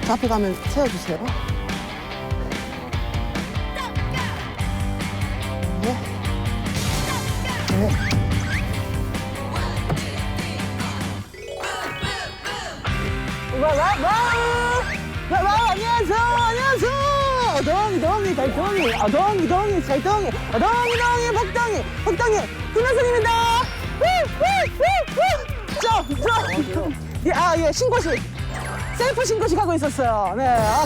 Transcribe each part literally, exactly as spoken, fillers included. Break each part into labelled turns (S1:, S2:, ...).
S1: 저 앞에 가면 세워주세요. 네. 네. 와, 와, 와! 와, 와, 안녕하세요, 안녕하세요! 어덩이, 덩이, 달덩이, 어덩이, 덩이, 잘덩이, 어덩이, 덩이, 복덩이, 복덩이, 김현선입니다! 후, 후, 후, 후! 저, 저! 예, 아, 예, 신고식. 셀프 신고식 하고 있었어요. 네. 아.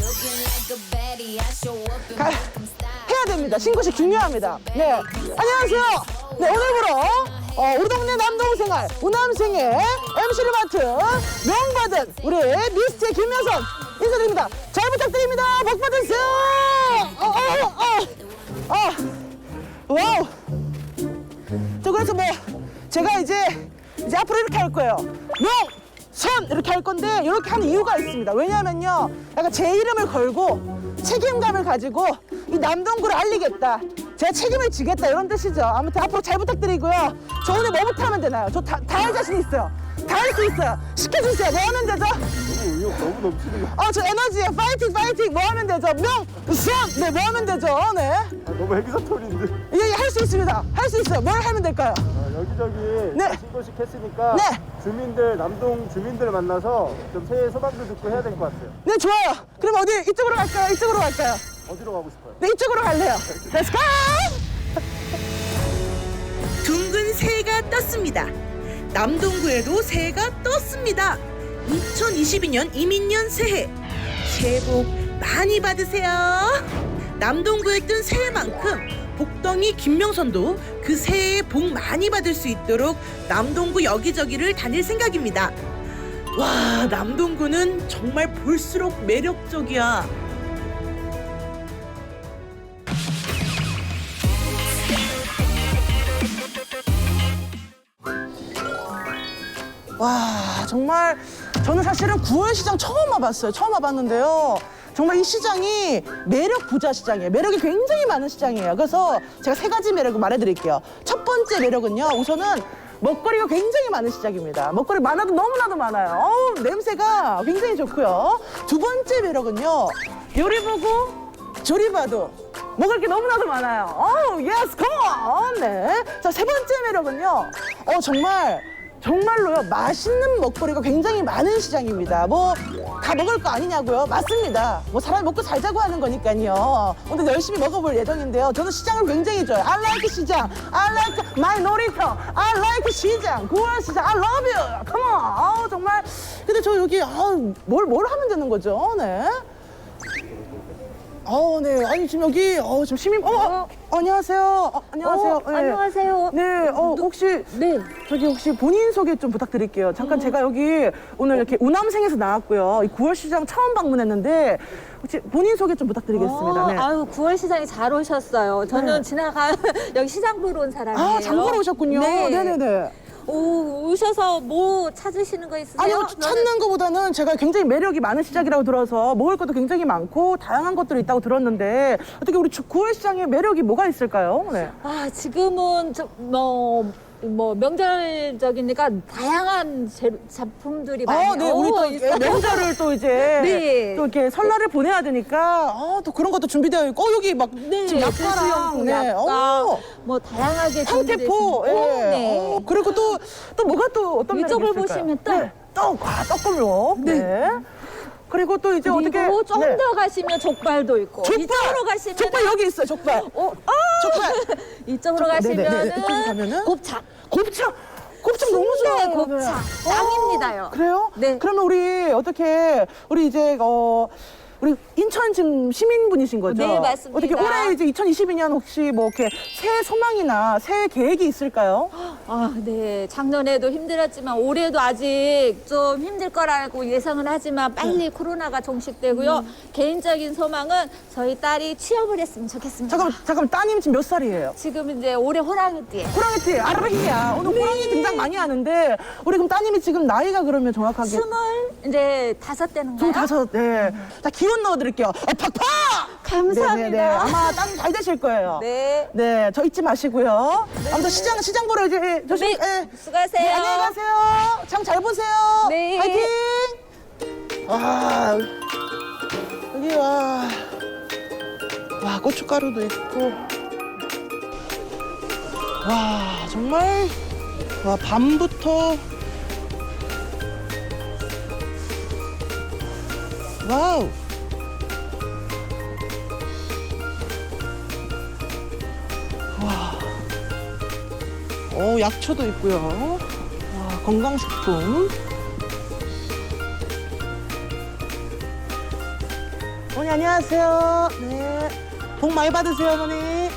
S1: 가, 해야 됩니다. 신고식 중요합니다. 네. 안녕하세요. 네, 오늘부로 어, 우리 동네 남동생활 우남생의 엠씨를 맡은 명받은 우리 미스트 김여선 인사드립니다. 잘 부탁드립니다. 복 받으세요. 어, 어, 어, 어. 와우. 저 그래서 뭐 제가 이제 이제 앞으로 이렇게 할 거예요. 명! 선! 이렇게 할 건데 이렇게 하는 이유가 있습니다. 왜냐면요, 약간 제 이름을 걸고 책임감을 가지고 이 남동구를 알리겠다, 제가 책임을 지겠다, 이런 뜻이죠. 아무튼 앞으로 잘 부탁드리고요. 저 오늘 뭐부터 하면 되나요? 저 다 할 자신 있어요. 다 할 수 있어요. 시켜주세요. 뭐 하면 되죠?
S2: 너무 의욕 너무 넘치는 거.
S1: 어, 저 에너지에 파이팅 파이팅. 뭐 하면 되죠? 명! 선! 네, 뭐 하면 되죠? 네.
S2: 아, 너무 헬기사토리인데.
S1: 예, 예, 할 수 있습니다. 할 수 있어요. 뭘 하면 될까요?
S2: 아, 여기저기
S1: 네.
S2: 신고식 했으니까
S1: 네.
S2: 주민들, 남동 주민들 만나서 좀 새해 소망도 듣고 해야 될 것 같아요.
S1: 네, 좋아요. 그럼 어디 이쪽으로 갈까요? 이쪽으로 갈까요?
S2: 어디로 가고 싶어요?
S1: 네, 이쪽으로 갈래요. 렛츠고!
S3: 둥근 새가 떴습니다. 남동구에도 새가 떴습니다. 이천이십이 년 이민년 새해, 새해 복 많이 받으세요. 남동구에 뜬 새해만큼 복덩이 김명선도 그 새해에 복 많이 받을 수 있도록 남동구 여기저기를 다닐 생각입니다. 와, 남동구는 정말 볼수록 매력적이야.
S1: 와, 정말 저는 사실은 구월 시장 처음 와봤어요. 처음 와봤는데요. 정말 이 시장이 매력 부자 시장이에요. 매력이 굉장히 많은 시장이에요. 그래서 제가 세 가지 매력을 말해드릴게요. 첫 번째 매력은요, 우선은 먹거리가 굉장히 많은 시장입니다. 먹거리 많아도 너무나도 많아요. 어우, 냄새가 굉장히 좋고요. 두 번째 매력은요, 요리 보고 조리 봐도 먹을 게 너무나도 많아요. 어우, 예스, 컴온! 네. 자, 세 번째 매력은요, 어, 정말 정말로요, 맛있는 먹거리가 굉장히 많은 시장입니다. 뭐 다 먹을 거 아니냐고요? 맞습니다. 뭐 사람이 먹고 살자고 하는 거니까요. 오늘 열심히 먹어볼 예정인데요. 저는 시장을 굉장히 좋아해요. I like 시장, I like my 놀이터, I like 시장, 구월 시장, I love you. Come on. 아우, 정말. 근데 저 여기 아우, 뭘, 뭘 하면 되는 거죠? 네. 어, 네. 아니, 지금 여기, 어, 지금 시민, 어, 어, 어 안녕하세요. 어, 안녕하세요.
S4: 어, 안녕하세요.
S1: 네, 어, 혹시,
S4: 네.
S1: 저기 혹시 본인 소개 좀 부탁드릴게요. 잠깐 제가 여기 오늘 이렇게 우남생에서 나왔고요. 이 구월 시장 처음 방문했는데, 혹시 본인 소개 좀 부탁드리겠습니다. 네.
S4: 아유, 구월 시장에 잘 오셨어요. 저는
S1: 네.
S4: 지나가 여기 시장 보러 온 사람이에요.
S1: 아, 장보러 오셨군요.
S4: 네.
S1: 네네네.
S4: 오, 오셔서 뭐 찾으시는 거 있으세요?
S1: 아니요, 찾는 것보다는 제가 굉장히 매력이 많은 시장이라고 들어서 먹을 것도 굉장히 많고 다양한 것들이 있다고 들었는데, 어떻게 우리 구월 시장에 매력이 뭐가 있을까요? 네.
S4: 아, 지금은 좀, 뭐, 뭐 명절적이니까 다양한 재, 작품들이 많이
S1: 아, 네, 우리 또
S4: 있어요.
S1: 명절을 또 이제
S4: 네.
S1: 또 이렇게 설날을 보내야 되니까 아, 또 그런 것도 준비되어 있고, 어, 여기 막
S4: 네,
S1: 지금 약과랑
S4: 제수용품,
S1: 네,
S4: 약과,
S1: 어,
S4: 뭐 다양하게
S1: 황태포,
S4: 준비되어
S1: 예.
S4: 있습니다. 네.
S1: 어, 그리고 또 또 뭐가 또 어떤 매력이
S4: 이쪽을
S1: 있을까요?
S4: 보시면 떡.
S1: 네, 떡, 아, 떡골목. 네. 그리고 또 이제 어떻게
S4: 그리고 좀 더
S1: 네.
S4: 가시면 족발도 있고
S1: 족발!
S4: 이쪽으로 가시면
S1: 족발 여기 있어요, 족발.
S4: 어,
S1: 족발.
S4: 이쪽으로
S1: 족발, 네네네.
S4: 가시면은
S1: 이쪽으로 가면은?
S4: 곱창.
S1: 곱창. 곱창 너무
S4: 순대
S1: 좋아요.
S4: 곱창.
S1: 네.
S4: 짱입니다요.
S1: 어, 그래요?
S4: 네.
S1: 그러면 우리 어떻게 우리 이제 어 우리 인천 지금 시민분이신 거죠?
S4: 네, 맞습니다.
S1: 어떻게 올해 이제 이천이십이 년 혹시 뭐 이렇게 새해 소망이나 새해 계획이 있을까요?
S4: 아, 네. 작년에도 힘들었지만 올해도 아직 좀 힘들 거라고 예상은 하지만 빨리
S1: 네.
S4: 코로나가 종식되고요.
S1: 음.
S4: 개인적인 소망은 저희 딸이 취업을 했으면 좋겠습니다.
S1: 잠깐 잠깐 따님 지금 몇 살이에요?
S4: 지금 이제 올해 호랑이띠에
S1: 호랑이띠 아라히야. 오늘 호랑이 등장 많이 하는데 우리 그럼 따님이 지금 나이가 그러면 정확하게
S4: 스물 이제 다섯 되는가요?
S1: 좀 다섯. 네. 자, 기운 넣어드릴게요. 어, 팍팍!
S4: 감사합니다.
S1: 네네네. 아마 따님 잘 되실 거예요.
S4: 네.
S1: 네, 저 잊지 마시고요. 아무튼 시장 시장 보러 이제 조심.
S4: 네,
S1: 네.
S4: 수고하세요.
S1: 네, 안녕히 가세요. 장 잘 보세요.
S4: 네.
S1: 파이팅. 아, 여기 와, 와 고춧가루도 있고, 와 정말 와 밤부터 와우. 와, 오 약초도 있고요. 와 건강식품. 어머니 안녕하세요. 네. 복 많이 받으세요, 어머니.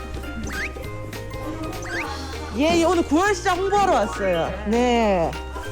S1: 예, 예, 오늘 구월 시장 홍보하러 왔어요. 네.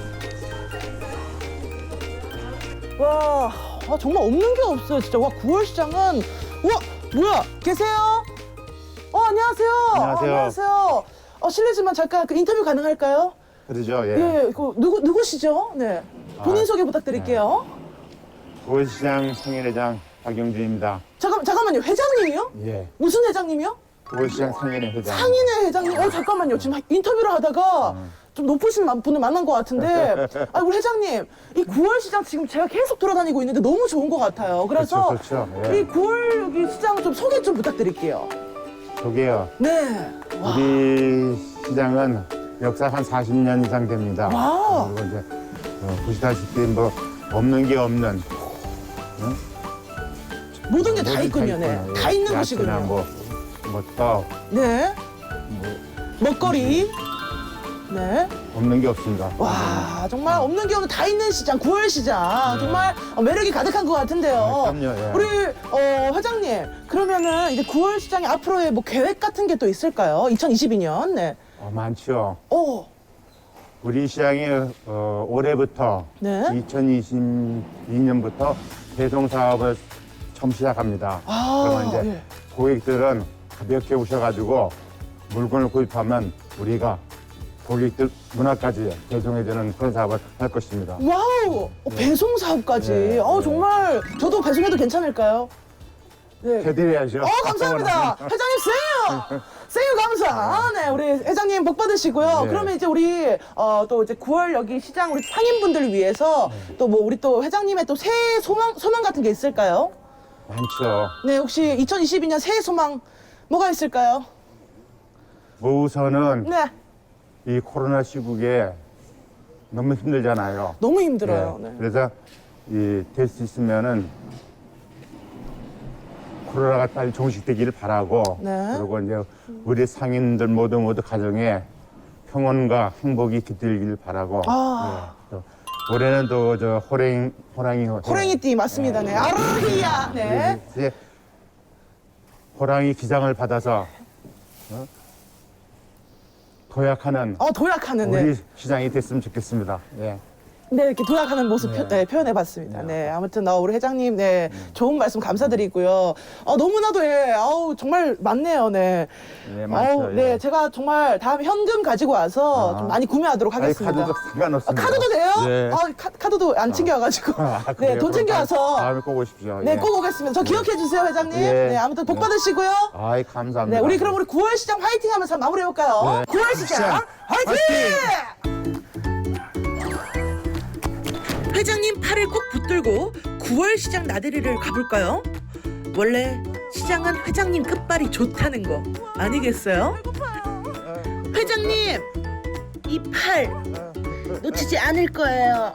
S1: 와, 아, 정말 없는 게 없어요, 진짜. 와, 구월 시장은 와, 뭐야? 계세요? 어, 안녕하세요.
S5: 안녕하세요.
S1: 어, 안녕하세요. 어, 실례지만 잠깐 그 인터뷰 가능할까요?
S5: 그러죠. 예.
S1: 예, 그 누구 누구시죠? 네. 본인
S5: 아,
S1: 소개 부탁드릴게요.
S5: 구월시장 상인회장 박영준입니다.
S1: 잠깐 잠깐만요. 회장님이요?
S5: 예.
S1: 무슨 회장님이요?
S5: 구월시장 상인회 회장.
S1: 상인회 회장님, 어 잠깐만요. 지금 인터뷰를 하다가 좀 높으신 만- 분을 만난 것 같은데, 아 우리 회장님, 이 구월 시장 지금 제가 계속 돌아다니고 있는데 너무 좋은 것 같아요. 그래서
S5: 그렇죠, 그렇죠. 예.
S1: 이 구월 여기 시장 좀 소개 좀 부탁드릴게요.
S5: 저게요.
S1: 네. 와,
S5: 우리 시장은 역사 한 사십 년 이상 됩니다.
S1: 와우.
S5: 그리고 이제 어, 보시다시피 뭐 없는 게 없는
S1: 모든 게 다
S5: 뭐든
S1: 있군요. 네.
S5: 있구나.
S1: 다 있는
S5: 야채나
S1: 곳이군요.
S5: 뭐, 뭐 떡,
S1: 네. 먹거리. 네.
S5: 없는 게 없습니다.
S1: 와, 정말 없는 게 없는 다 있는 시장, 구월 시장. 정말 어, 매력이 가득한 것 같은데요.
S5: 네, 그럼요, 예.
S1: 우리 어, 회장님, 그러면은 이제 구월 시장의 앞으로의 뭐 계획 같은 게 또 있을까요? 이천이십이 년. 네.
S5: 어, 많죠.
S1: 오,
S5: 우리 시장이 어, 올해부터
S1: 네.
S5: 이천이십이 년부터 배송 사업을 처음 시작합니다.
S1: 아,
S5: 그러면 이제
S1: 예.
S5: 고객들은 가볍게 오셔가지고 물건을 구입하면 우리가 고객들 문화까지 배송해주는 그런 사업을 할 것입니다.
S1: 와우, 어, 배송 사업까지.
S5: 네,
S1: 어,
S5: 네.
S1: 정말 저도 배송해도 괜찮을까요? 네.
S5: 해드려야죠.
S1: 어, 감사합니다. 회장님, 생유! 생유 감사. 아, 네, 우리 회장님 복 받으시고요.
S5: 네.
S1: 그러면 이제 우리, 어, 또 이제 구월 여기 시장 우리 상인분들을 위해서 또 뭐 우리 또 회장님의 또 새해 소망, 소망 같은 게 있을까요?
S5: 많죠.
S1: 네, 혹시 이천이십이 년 새해 소망 뭐가 있을까요?
S5: 뭐 우선은
S1: 네,
S5: 이 코로나 시국에 너무 힘들잖아요.
S1: 너무 힘들어요.
S5: 네.
S1: 네.
S5: 그래서 이 될 수 있으면은 코로나가 빨리 종식되기를 바라고
S1: 네.
S5: 그리고 이제 우리 상인들 모두 모두 가정에 평온과 행복이 깃들길 바라고
S1: 아.
S5: 네. 또 올해는 또 저 호랭 호랑이
S1: 호랭이띠 맞습니다. 네. 아르히야. 네.
S5: 이제 호랑이 기장을 받아서 어? 도약하는
S1: 어, 도약하는, 네.
S5: 우리 시장이 됐으면 좋겠습니다. 예.
S1: 네, 이렇게 도약하는 모습
S5: 네.
S1: 표, 네, 표현해봤습니다. 네, 아무튼 어, 우리 회장님, 네, 좋은 말씀 감사드리고요. 어, 너무나도 예, 아우 정말 많네요, 네.
S5: 네, 많죠,
S1: 아우,
S5: 예.
S1: 네, 제가 정말 다음에 현금 가지고 와서
S5: 아.
S1: 좀 많이 구매하도록
S5: 아니,
S1: 하겠습니다.
S5: 카드도
S1: 아,
S5: 상관없습니다.
S1: 카드도 돼요?
S5: 네.
S1: 아, 카, 카드도 안 챙겨와가지고.
S5: 아,
S1: 네,
S5: 그래요?
S1: 돈
S5: 그럼
S1: 챙겨와서.
S5: 다음에 꼭 오십시오.
S1: 네,
S5: 예.
S1: 꼭 오겠습니다. 저 기억해 주세요, 회장님.
S5: 예.
S1: 네, 아무튼 복
S5: 네.
S1: 받으시고요.
S5: 아이, 감사합니다.
S1: 네, 우리 그럼 우리 구월 시장 화이팅 하면서 마무리해볼까요?
S5: 네.
S1: 구월 시장
S5: 시장
S1: 화이팅!
S3: 회장님 팔을 꼭 붙들고 구월 시장 나들이를 가볼까요? 원래 시장은 회장님 끝발이 좋다는 거 아니겠어요? 회장님, 이 팔 놓치지 않을 거예요.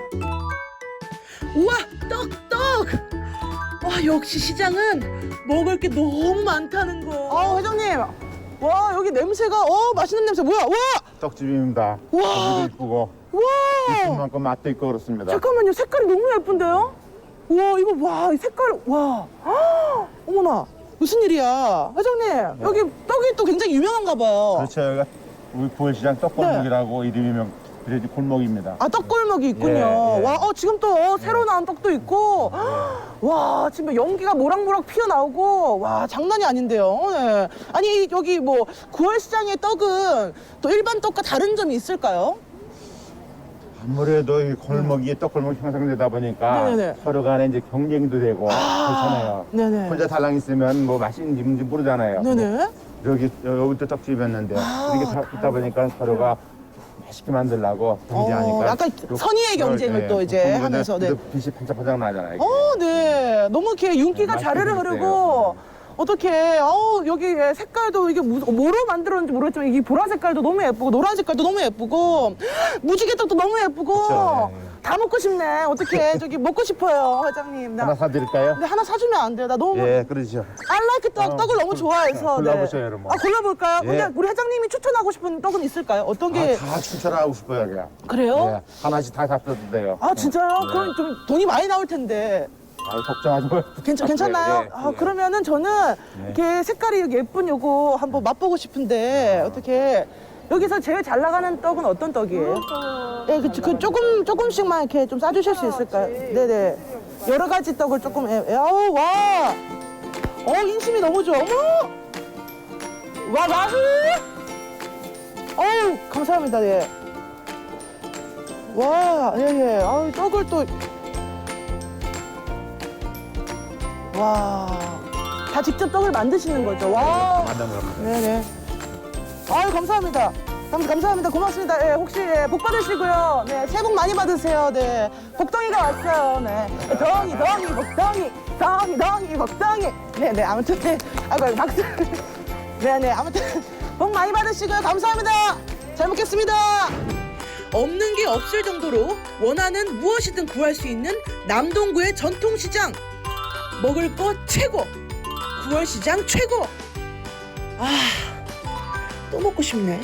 S3: 우와, 떡, 떡! 와, 역시 시장은 먹을 게 너무 많다는 거.
S1: 아, 회장님. 와, 여기 냄새가, 어, 맛있는 냄새. 뭐야? 와!
S5: 떡집입니다.
S1: 와.
S5: 고기도 이쁘고, 이쁜
S1: 와!
S5: 만큼 맛도 있고 그렇습니다.
S1: 잠깐만요. 색깔이 너무 예쁜데요? 와, 이거, 와, 이 색깔, 와. 아, 어머나. 무슨 일이야. 회장님, 여기 떡이 또 굉장히 유명한가 봐요.
S5: 그렇죠. 여기가 우리 구월시장 떡골목이라고 이름이 명, 그래도 골목입니다.
S1: 아, 떡골목이 있군요.
S5: 예, 예.
S1: 와, 어, 지금 또 어, 새로 나온 떡도 있고. 와, 지금 연기가 모락모락 피어나오고. 와, 장난이 아닌데요. 네. 아니, 여기 뭐, 구월 시장의 떡은 또 일반 떡과 다른 점이 있을까요?
S5: 아무래도 이 골목이 떡골목이 형성되다 보니까
S1: 네네네.
S5: 서로 간에 이제 경쟁도 되고 그렇잖아요.
S1: 네네.
S5: 혼자 달랑 있으면 뭐 맛있는지 뭔지 모르잖아요.
S1: 네네.
S5: 여기 여기도 떡집이었는데
S1: 아,
S5: 이렇게 다 있다 보니까 서로가 맛있게 만들려고 경쟁하니까.
S1: 어, 약간
S5: 또
S1: 선의의
S5: 그걸,
S1: 경쟁을
S5: 예,
S1: 또 이제
S5: 보면
S1: 하면서, 네.
S5: 또 빛이 반짝반짝 나잖아요.
S1: 어, 네. 네, 너무 이렇게 윤기가
S5: 네,
S1: 자르르
S5: 맛있게
S1: 흐르고 어떻게 어우 여기 색깔도 이게 무, 뭐로 만들었는지 모르겠지만 이 보라 색깔도 너무 예쁘고 노란 색깔도 너무 예쁘고 무지개떡도 너무 예쁘고
S5: 그쵸, 네.
S1: 다 먹고 싶네. 어떻게 저기 먹고 싶어요, 회장님. 나
S5: 하나 사드릴까요?
S1: 근데 하나 사주면 안 돼요. 나 너무
S5: 예, 그러죠.
S1: 알라이크 떡,
S5: 어,
S1: 떡을 너무 좋아해서.
S5: 골라보셔요, 여러분.
S1: 아, 골라볼까요?
S5: 예.
S1: 근데 우리 회장님이 추천하고 싶은 떡은 있을까요? 어떤 게.
S5: 아, 다 추천하고 싶어요, 그냥.
S1: 그래요?
S5: 예, 하나씩 다 잡숴도 돼요.
S1: 아, 진짜요?
S5: 네.
S1: 그럼 좀 돈이 많이 나올 텐데.
S5: 아, 걱정하지 마요.
S1: 괜찮, 괜찮나요?
S5: 예, 예,
S1: 아,
S5: 예.
S1: 그러면은 저는 이렇게 색깔이 여기 예쁜 요거 한번 맛보고 싶은데, 어떻게. 여기서 제일 잘 나가는 떡은 어떤 떡이에요? 예, 그, 그 조금, 조금씩만 이렇게 좀 싸주실 수 있을까요? 네네. 여러 가지 떡을 조금, 예, 예, 아우, 와! 어, 인심이 너무 좋아. 어머! 와, 와! 어우, 감사합니다, 예. 와, 예, 예. 아우, 떡을 또. 와. 다 직접 떡을 만드시는 거죠? 와.
S5: 만난 겁니다.
S1: 네네. 아유, 감사합니다. 감, 감사합니다. 고맙습니다. 예, 혹시 예, 복 받으시고요. 네, 새해 복 많이 받으세요. 네. 복덩이가 왔어요. 네. 덩이, 덩이, 복덩이. 덩이, 덩이, 복덩이. 네네. 아무튼, 네. 아이고, 박수. 네네. 아무튼, 복 많이 받으시고요. 감사합니다. 잘 먹겠습니다.
S3: 없는 게 없을 정도로 원하는 무엇이든 구할 수 있는 남동구의 전통시장. 먹을 거 최고, 구월 시장 최고. 아, 또 먹고 싶네.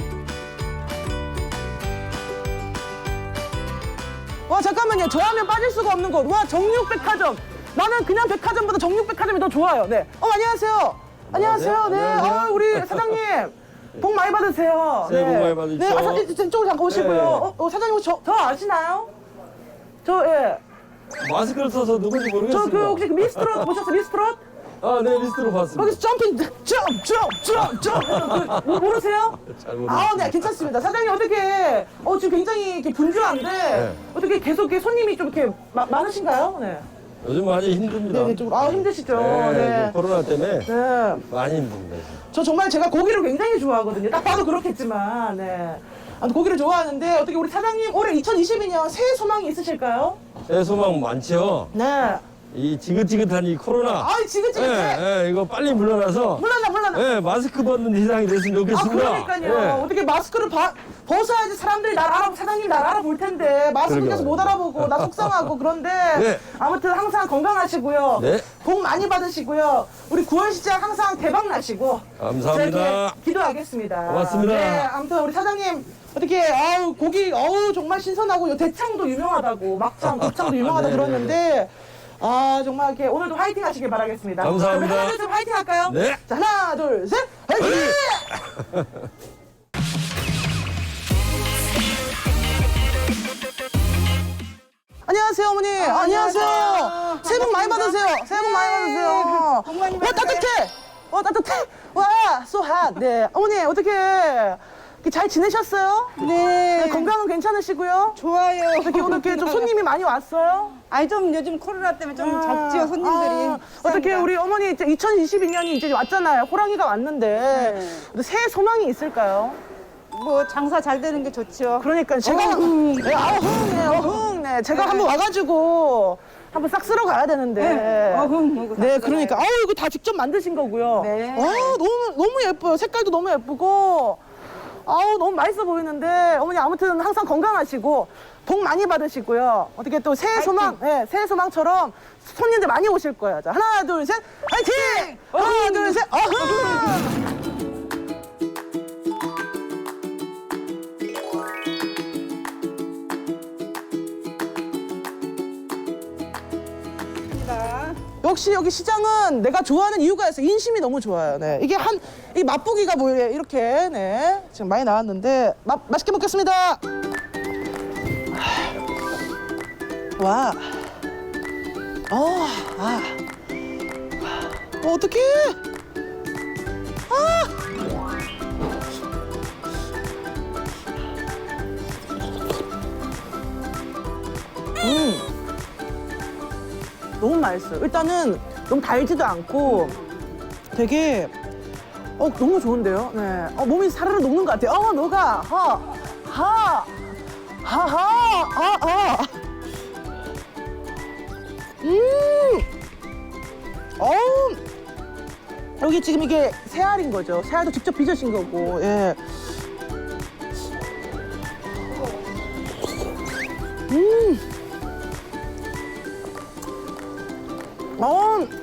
S1: 와, 잠깐만요. 저 하면 빠질 수가 없는 곳. 와, 정육백화점. 나는 그냥 백화점보다 정육백화점이 더 좋아요. 네. 어, 안녕하세요. 안녕하세요. 네. 아, 우리 사장님. 복 많이 받으세요.
S6: 새해 복 많이 받으십시오.
S1: 네, 아, 사장님, 이쪽으로 잠깐 오시고요.
S6: 네.
S1: 어, 어, 사장님, 저, 저 아시나요? 저, 예.
S6: 마스크를 써서 누군지
S1: 저
S6: 모르겠습니다.
S1: 그 혹시 그 미스트롯 보셨어요? 미스트롯?
S6: 아, 네, 리스트로 봤습니다.
S1: 거기서 점핑, 점, 점, 점, 점. 그, 뭐, 모르세요?
S6: 잘 모르겠습니다.
S1: 아, 네, 괜찮습니다. 사장님 어떻게, 어, 지금 굉장히 이렇게 분주한데, 어떻게 계속 이렇게 손님이 좀 이렇게 마, 많으신가요? 네.
S6: 요즘 많이 힘듭니다.
S1: 네, 네, 좀, 아, 힘드시죠?
S6: 네,
S1: 네.
S6: 이제 코로나 때문에
S1: 네.
S6: 많이 힘듭니다. 지금.
S1: 저 정말 제가 고기를 굉장히 좋아하거든요. 딱 봐도 그렇겠지만, 네. 아, 고기를 좋아하는데, 어떻게 우리 사장님 올해 이천이십이 년 새해 소망이 있으실까요?
S6: 새해 소망 많죠?
S1: 네.
S6: 이 지긋지긋한 이 코로나.
S1: 아, 지긋지긋해.
S6: 예, 예, 이거 빨리 물러나서
S1: 물러나, 물러나.
S6: 예, 마스크 벗는 세상이 됐으면
S1: 아,
S6: 좋겠습니다.
S1: 그러니까요.
S6: 예.
S1: 어떻게 마스크를 바, 벗어야지 사람들이 날 알아, 사장님이 날 알아볼 텐데, 마스크
S6: 그러게요.
S1: 껴서 못 알아보고, 나 속상하고, 그런데,
S6: 네.
S1: 아무튼 항상 건강하시고요.
S6: 네.
S1: 복 많이 받으시고요. 우리 구월 시장 항상 대박 나시고.
S6: 감사합니다.
S1: 저렇게 기도하겠습니다.
S6: 고맙습니다.
S1: 네, 아무튼 우리 사장님, 어떻게, 아우, 고기, 어우, 정말 신선하고, 요 대창도 유명하다고, 막창, 곱창도 유명하다
S6: 네,
S1: 들었는데, 아, 정말 이렇게 오늘도 화이팅 하시길 바라겠습니다.
S6: 감사합니다.
S1: 우리 하나, 둘, 셋 화이팅 할까요?
S6: 네.
S1: 자, 하나, 둘, 셋, 화이팅! 안녕하세요, 어머니. 안녕하세요. 새해 복 많이 받으세요. 새해 복 많이 받으세요.
S7: 복 많이
S1: 와,
S7: 받으세요.
S1: 따뜻해. 와, 따뜻해. 와, so hot. 네. 어머니, 어떻게 잘 지내셨어요?
S7: 네.
S1: 네, 건강은 괜찮으시고요?
S7: 좋아요.
S1: 어떻게 오늘 이렇게 좀 손님이 많이 왔어요?
S7: 아니 좀 요즘 코로나 때문에 좀
S1: 아,
S7: 적지요 손님들이.
S1: 아, 어떻게
S7: 비쌉니다.
S1: 우리 어머니 이제 이천이십이 년이 이제 왔잖아요. 호랑이가 왔는데
S7: 네.
S1: 새해 소망이 있을까요?
S7: 뭐 장사 잘 되는 게 좋죠.
S1: 그러니까 제가 네, 어흥, 네, 어흥, 네, 제가
S7: 네.
S1: 한번 와가지고 한번 싹 쓸어 가야 되는데.
S7: 네, 어흥, 이거 다
S1: 네,
S7: 쓸어가요.
S1: 그러니까 아우 이거 다 직접 만드신 거고요.
S7: 네.
S1: 아, 너무 너무 예뻐요. 색깔도 너무 예쁘고. 아우 너무 맛있어 보이는데 어머니 아무튼 항상 건강하시고 복 많이 받으시고요. 어떻게 또 새해 소망, 네, 새해 소망처럼 손님들 많이 오실 거예요. 자, 하나, 둘, 셋, 화이팅! 하나, 둘, 셋, 어흥! 역시 여기 시장은 내가 좋아하는 이유가 있어. 인심이 너무 좋아요. 네. 이게 한, 이 맛보기가 뭐 이렇게, 네. 지금 많이 나왔는데, 맛, 맛있게 먹겠습니다. 와. 어, 아. 어, 어떡해. 아. 음. 너무 맛있어요. 일단은 너무 달지도 않고 되게 어 너무 좋은데요. 네. 어 몸이 사르르 녹는 것 같아요. 어 녹아. 하. 하. 하하. 아 아. 음. 어우, 여기 지금 이게 새알인 거죠. 새알도 직접 빚으신 거고, 예. 음. 어,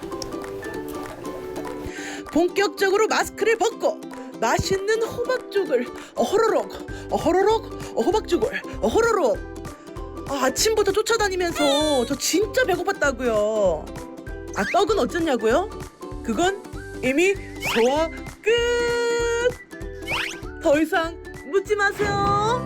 S3: 본격적으로 마스크를 벗고 맛있는 호박죽을 어호로록 어호로록 호박죽을 어호로록. 아, 아침부터 쫓아다니면서 저 진짜 배고팠다고요. 아, 떡은 어쩌냐고요? 그건 이미 소화 끝. 더 이상 묻지 마세요.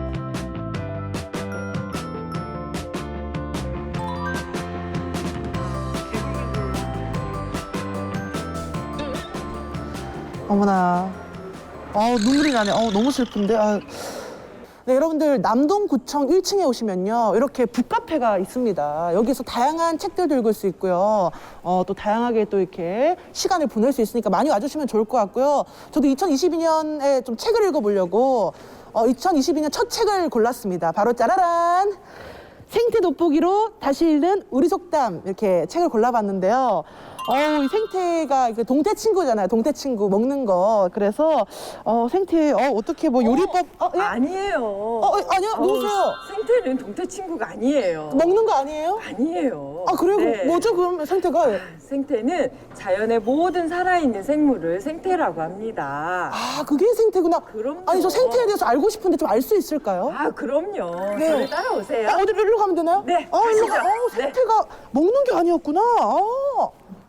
S1: 어머나. 아, 눈물이 나네. 어, 너무 슬픈데. 아. 네, 여러분들 남동구청 일 층에 오시면요, 이렇게 북카페가 있습니다. 여기서 다양한 책들도 읽을 수 있고요. 어, 또 다양하게 또 이렇게 시간을 보낼 수 있으니까 많이 와주시면 좋을 것 같고요. 저도 이천이십이 년에 좀 책을 읽어보려고 어, 이천이십이 년 첫 책을 골랐습니다. 바로 짜라란! 생태 돋보기로 다시 읽는 우리 속담, 이렇게 책을 골라봤는데요. 어, 이 생태가 이게 동태 친구잖아요. 동태 친구 먹는 거. 그래서 어, 생태 어, 어떻게 뭐 요리법 어, 예?
S8: 아니에요.
S1: 어, 어, 아니요. 누구세요?
S8: 생태는 동태 친구가 아니에요.
S1: 먹는 거 아니에요?
S8: 아니에요.
S1: 아, 그래요?
S8: 네.
S1: 뭐죠, 그럼 생태가?
S8: 생태는 자연의 모든 살아있는 생물을 생태라고 합니다.
S1: 아, 그게 생태구나.
S8: 그럼요.
S1: 아니, 저 생태에 대해서 알고 싶은데 좀 알 수 있을까요?
S8: 아, 그럼요.
S1: 네.
S8: 저를 따라오세요.
S1: 아, 어디 일로 가면 되나요?
S8: 네,
S1: 아, 일로
S8: 가시죠.
S1: 가. 어,
S8: 네.
S1: 생태가 먹는 게 아니었구나. 아.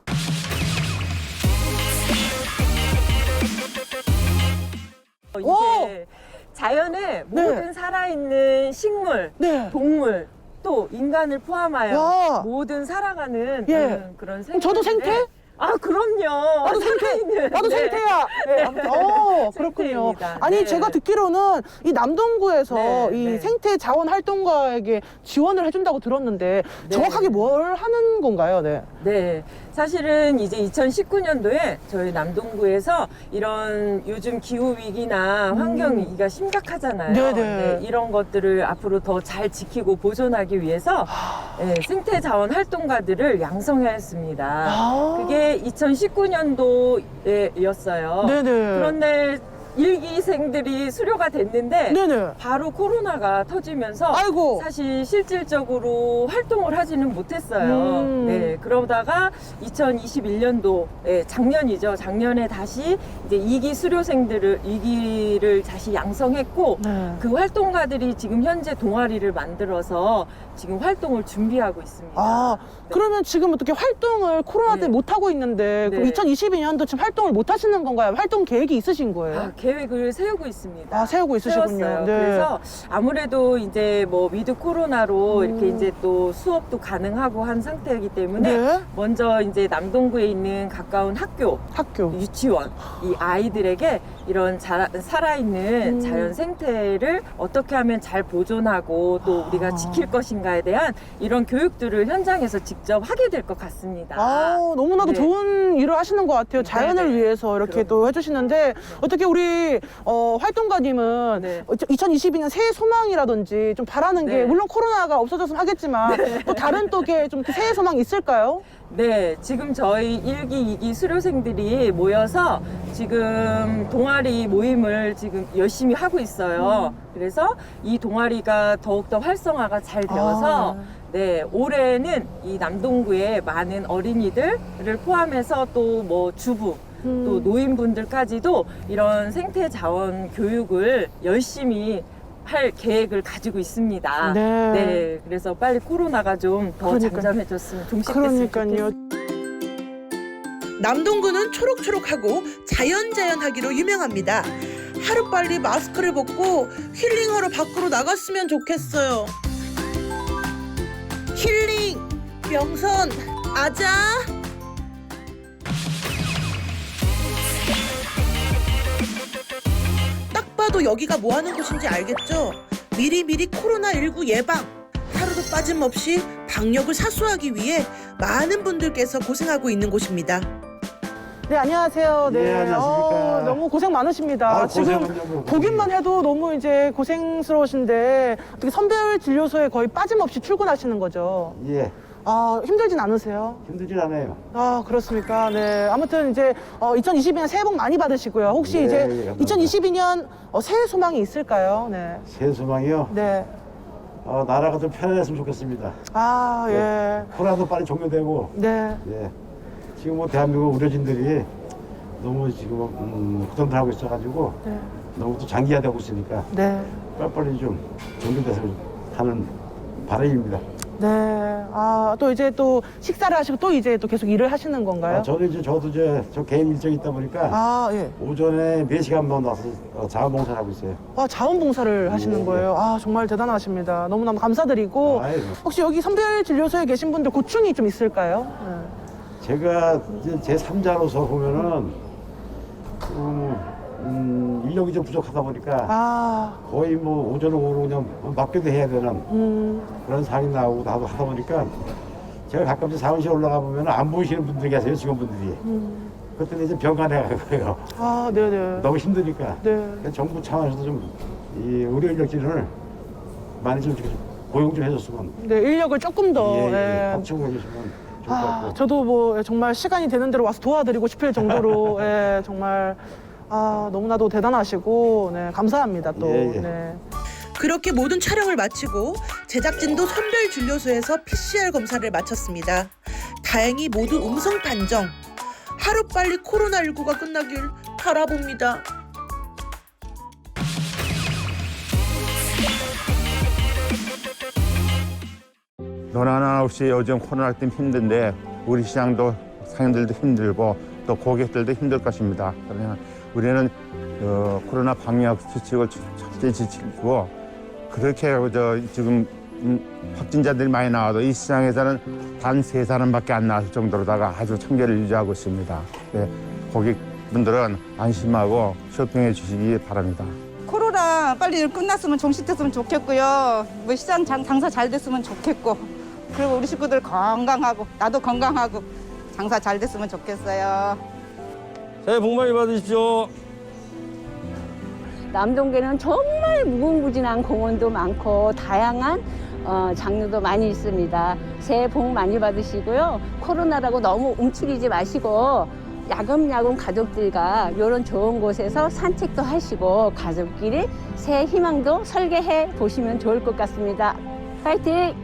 S8: 이게 자연의
S1: 네.
S8: 모든 살아있는 식물,
S1: 네.
S8: 동물, 또 인간을 포함하여
S1: 와.
S8: 모든 살아가는
S1: 예.
S8: 음, 그런 생물.
S1: 저도 생태?
S8: 아, 그럼요.
S1: 나도 생태,
S8: 살아있는.
S1: 나도
S8: 네.
S1: 생태야. 네, 아무튼, 어, 그렇군요.
S8: 생태입니다.
S1: 아니,
S8: 네.
S1: 제가 듣기로는 이 남동구에서
S8: 네,
S1: 이
S8: 네.
S1: 생태 자원 활동가에게 지원을 해준다고 들었는데
S8: 네.
S1: 정확하게 뭘 하는 건가요? 네.
S8: 네, 사실은 이제 이천십구 년도에 저희 남동구에서 이런 요즘 기후 위기나 환경 위기가 심각하잖아요.
S1: 음. 네네.
S8: 이런 것들을 앞으로 더 잘 지키고 보존하기 위해서 네, 생태 자원 활동가들을 양성했습니다.
S1: 아.
S8: 그게 이천십구 년도였어요.
S1: 네네.
S8: 그런데 일기생들이 수료가 됐는데
S1: 네네.
S8: 바로 코로나가 터지면서
S1: 아이고.
S8: 사실 실질적으로 활동을 하지는 못했어요.
S1: 음.
S8: 네, 그러다가 이천이십일 년도, 네, 작년이죠. 작년에 다시 이제 이 기 수료생들을 이 기를 다시 양성했고
S1: 네.
S8: 그 활동가들이 지금 현재 동아리를 만들어서 지금 활동을 준비하고 있습니다.
S1: 아, 그러면 지금 어떻게 활동을 코로나 때문에
S8: 네.
S1: 못 하고 있는데 그럼
S8: 네.
S1: 이천이십이 년도 지금 활동을 못 하시는 건가요? 활동 계획이 있으신 거예요?
S8: 아, 계획을 세우고 있습니다.
S1: 아, 세우고 있으시군요.
S8: 세웠어요.
S1: 네.
S8: 그래서 아무래도 이제 뭐 위드 코로나로
S1: 음.
S8: 이렇게 이제 또 수업도 가능하고 한 상태이기 때문에
S1: 네.
S8: 먼저 이제 남동구에 있는 가까운 학교,
S1: 학교.
S8: 유치원 이 아이들에게 이런 자, 살아있는
S1: 음.
S8: 자연 생태를 어떻게 하면 잘 보존하고 또 우리가
S1: 아.
S8: 지킬 것인가에 대한 이런 교육들을 현장에서 직접 하게 될 것 같습니다.
S1: 아, 너무나도
S8: 네.
S1: 좋은 일을 하시는 것 같아요. 자연을
S8: 네네.
S1: 위해서 이렇게
S8: 그럼.
S1: 또 해주시는데 어떻게 우리 어, 활동가님은
S8: 네.
S1: 이천이십이 년 새해 소망이라든지 좀 바라는 게
S8: 네.
S1: 물론 코로나가 없어졌으면 하겠지만 또 다른 또게 좀 새해 소망 있을까요?
S8: 네, 지금 저희 일 기, 이 기 수료생들이 모여서 지금 동아리 모임을 지금 열심히 하고 있어요. 그래서 이 동아리가 더욱더 활성화가 잘 되어서
S1: 아.
S8: 네, 올해는 이 남동구의 많은 어린이들을 포함해서 또 뭐 주부,
S1: 음.
S8: 또 노인분들까지도 이런 생태 자원 교육을 열심히 할 계획을 가지고 있습니다.
S1: 네.
S8: 네, 그래서 빨리 코로나가 좀 더
S1: 그러니까요.
S8: 잠잠해졌으면 종식됐으면
S1: 그러니까요.
S8: 좋겠습니다.
S3: 남동구는 초록초록하고 자연자연하기로 유명합니다. 하루빨리 마스크를 벗고 힐링하러 밖으로 나갔으면 좋겠어요. 힐링, 명선, 아자. 딱 봐도 여기가 뭐 하는 곳인지 알겠죠? 미리미리 코로나십구 예방. 하루도 빠짐없이 방역을 사수하기 위해 많은 분들께서 고생하고 있는 곳입니다.
S1: 네, 안녕하세요. 네.
S2: 예, 안녕하십니까.
S1: 어, 너무 고생 많으십니다.
S2: 아,
S1: 지금
S2: 고생은요, 뭐.
S1: 보기만 해도 너무 이제 고생스러우신데 어떻게 선별 진료소에 거의 빠짐없이 출근하시는 거죠?
S2: 예.
S1: 아, 힘들진 않으세요?
S2: 힘들진 않아요.
S1: 아, 그렇습니까? 네. 아무튼 이제 어, 이천이십이 년 새해 복 많이 받으시고요. 혹시
S2: 네,
S1: 이제
S2: 예, 감사합니다.
S1: 이천이십이 년 어, 새해 소망이 있을까요? 네.
S2: 새 소망이요?
S1: 네.
S2: 어, 나라가 좀 편안했으면 좋겠습니다.
S1: 아, 예.
S2: 코로나도 빨리 종료되고,
S1: 네.
S2: 예. 지금 뭐 대한민국 의료진들이 너무 지금 음, 고통들 하고 있어가지고
S1: 네.
S2: 너무 또 장기화되고 있으니까
S1: 네.
S2: 빨리빨리 좀 종료돼서 하는 바람입니다.
S1: 네. 아, 또 이제 또 식사를 하시고 또 이제 또 계속 일을 하시는 건가요?
S2: 아, 저는 이제 저도 이제 저 개인 일정이 있다 보니까
S1: 아, 예.
S2: 오전에 네 시간만 와서 어, 자원봉사를 하고 있어요.
S1: 아, 자원봉사를 하시는
S2: 예,
S1: 거예요? 아, 정말 대단하십니다. 너무너무 감사드리고.
S2: 아이고.
S1: 혹시 여기 선별진료소에 계신 분들 고충이 좀 있을까요? 네.
S2: 제가 이제 제 삼자로서 보면은 음, 음, 인력이 좀 부족하다 보니까
S1: 아,
S2: 거의 뭐 오전 오후 그냥 맡겨도 해야 되는
S1: 음,
S2: 그런 상황이 나오고 나도 하다 보니까 제가 가끔씩 사무실 올라가 보면 안 보이시는 분들이 계세요, 직원분들이.
S1: 음.
S2: 그때는 이제 병간에 가고요.
S1: 아, 네네.
S2: 너무 힘드니까.
S1: 네.
S2: 그래서 정부 차원에서도 좀 이 의료 인력진을 많이 좀 이렇게 좀 고용 좀 해줬으면.
S1: 네, 인력을 조금 더.
S2: 예, 예,
S1: 예.
S2: 확충을 해주시면 좋을 것
S1: 아,
S2: 같고.
S1: 저도 뭐 정말 시간이 되는 대로 와서 도와드리고 싶을 정도로 예, 정말 아, 너무나도 대단하시고 네, 감사합니다 또.
S2: 예, 예.
S1: 네.
S3: 그렇게 모든 촬영을 마치고 제작진도 선별진료소에서 피씨알 검사를 마쳤습니다. 다행히 모두 음성 판정. 하루빨리 코로나십구가 끝나길 바라봅니다.
S5: 너나 없이 요즘 코로나 때문에 힘든데 우리 시장도 상인들도 힘들고 또 고객들도 힘들 것입니다. 그러면 우리는 어, 코로나 방역 수칙을 철저히 지키고 그렇게 저 지금 음, 확진자들이 많이 나와도 이 시장에서는 단 세 사람밖에 안 나왔을 정도로다가 아주 청결을 유지하고 있습니다. 네, 고객분들은 안심하고 쇼핑해 주시기 바랍니다.
S7: 코로나 빨리 끝났으면 종식됐으면 좋겠고요. 뭐 시장 장, 장사 잘 됐으면 좋겠고, 그리고 우리 식구들 건강하고 나도 건강하고 장사 잘 됐으면 좋겠어요.
S6: 새해 복 많이 받으십시오.
S9: 남동계는 정말 무궁무진한 공원도 많고 다양한 어, 장르도 많이 있습니다. 새해 복 많이 받으시고요. 코로나라고 너무 움츠리지 마시고 야금야금 가족들과 이런 좋은 곳에서 산책도 하시고 가족끼리 새해 희망도 설계해 보시면 좋을 것 같습니다. 파이팅!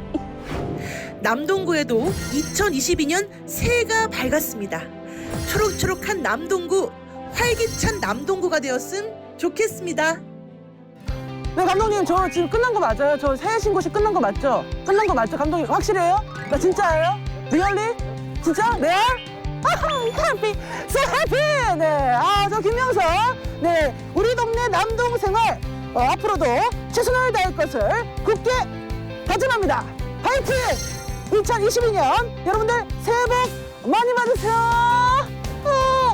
S3: 남동구에도 이천이십이 년 새해가 밝았습니다. 초록초록한 남동구, 활기찬 남동구가 되었음 좋겠습니다.
S1: 네, 감독님, 저 지금 끝난 거 맞아요? 저 새해 신고식 끝난 거 맞죠? 끝난 거 맞죠, 감독님? 확실해요? 나 진짜예요? 리얼리? 진짜? 네? 해피! 소 해피! 네, 아, 저 김명석. 네, 우리 동네 남동 생활 어, 앞으로도 최선을 다할 것을 굳게 다짐합니다. 파이팅! 이천이십이 년 여러분들 새해 복 많이 받으세요. 어,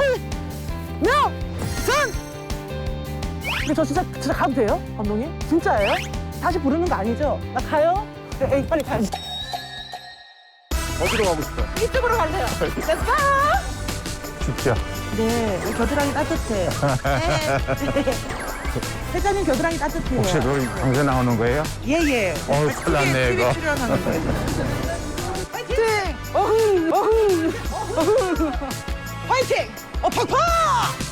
S1: 명선! 근데 저 진짜 진짜 가도 돼요, 감독님? 진짜예요? 다시 부르는 거 아니죠? 나 가요? 네, 에이, 빨리 가야지.
S2: 어디로 가고 싶어요?
S1: 이쪽으로 갈래요. Let's go!
S5: 춥죠?
S1: 네, 겨드랑이 따뜻해. 네. 회장님 겨드랑이 따뜻해요.
S5: 혹시 거기 방송 나오는 거예요?
S1: 예예.
S5: 어우, 큰일 났네, 이거.
S3: 출연하는 거예요.
S1: 파이팅! 어흥, 어흥, 어흥. 파이팅! 어, 팍팍!